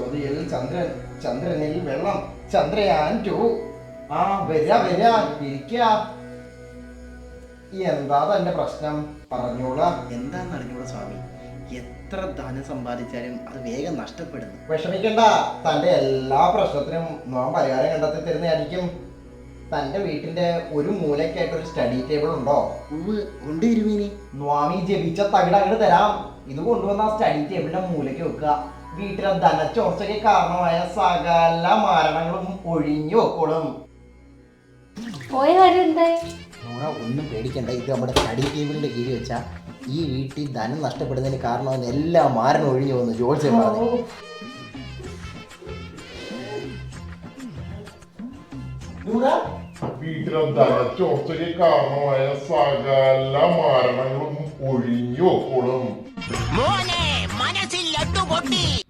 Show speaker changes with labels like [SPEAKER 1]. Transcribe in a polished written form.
[SPEAKER 1] ചോദ്യയിൽ ചന്ദ്രൻ, ചന്ദ്രനിൽ വെള്ളം, ചന്ദ്രയാൻ 2. ആ വരാ ഇരിക്ക. എന്താ തന്റെ പ്രശ്നം? പറഞ്ഞോളാം.
[SPEAKER 2] എന്താന്ന് അറിഞ്ഞൂടാ സ്വാമി, എത്ര ധനം സമ്പാദിച്ചാലും അത് വേഗം നഷ്ടപ്പെടുന്നു.
[SPEAKER 1] വിഷമിക്കണ്ട, തന്റെ എല്ലാ പ്രശ്നത്തിനും നാം പരിഹാരം കണ്ടെത്തി തരുന്നതായിരിക്കും. തന്റെ വീട്ടിന്റെ ഒരു മൂലയ്ക്കായിട്ട് ഒരു സ്റ്റഡി ടേബിൾ ഉണ്ടോ?
[SPEAKER 2] ഉണ്ട് തിരുമേനി.
[SPEAKER 1] സ്വാമി ജപിച്ച തകിട അങ്ങോട്ട് തരാം. ഇത് കൊണ്ടുവന്ന ആ സ്റ്റഡി ടേബിളിന്റെ മൂലയ്ക്ക് വെക്കുക. വീട്ടിലെ ധനച്ചോർച്ചയ്ക്ക് കാരണമായ സകല മരണങ്ങളും ഒഴിഞ്ഞു വെക്കോളും.
[SPEAKER 3] പോയ കാര്യം എന്തായി?
[SPEAKER 2] ഒന്നും പേടിക്കണ്ട, ഇത് നമ്മുടെ സ്റ്റഡി ടേബിളിന്റെ കീഴിൽ വെച്ചാൽ ഈ വീട്ടിൽ ധനം നഷ്ടപ്പെടുന്നതിന് കാരണം എല്ലാ മാരണം ഒഴിഞ്ഞു വന്നു ജോത്സ്യം പറഞ്ഞു.
[SPEAKER 4] വീട്ടിലെ ധനച്ചോർച്ചയ്ക്ക് കാരണമായ സകല മരണങ്ങളും ഒഴിഞ്ഞു വെക്കോളും.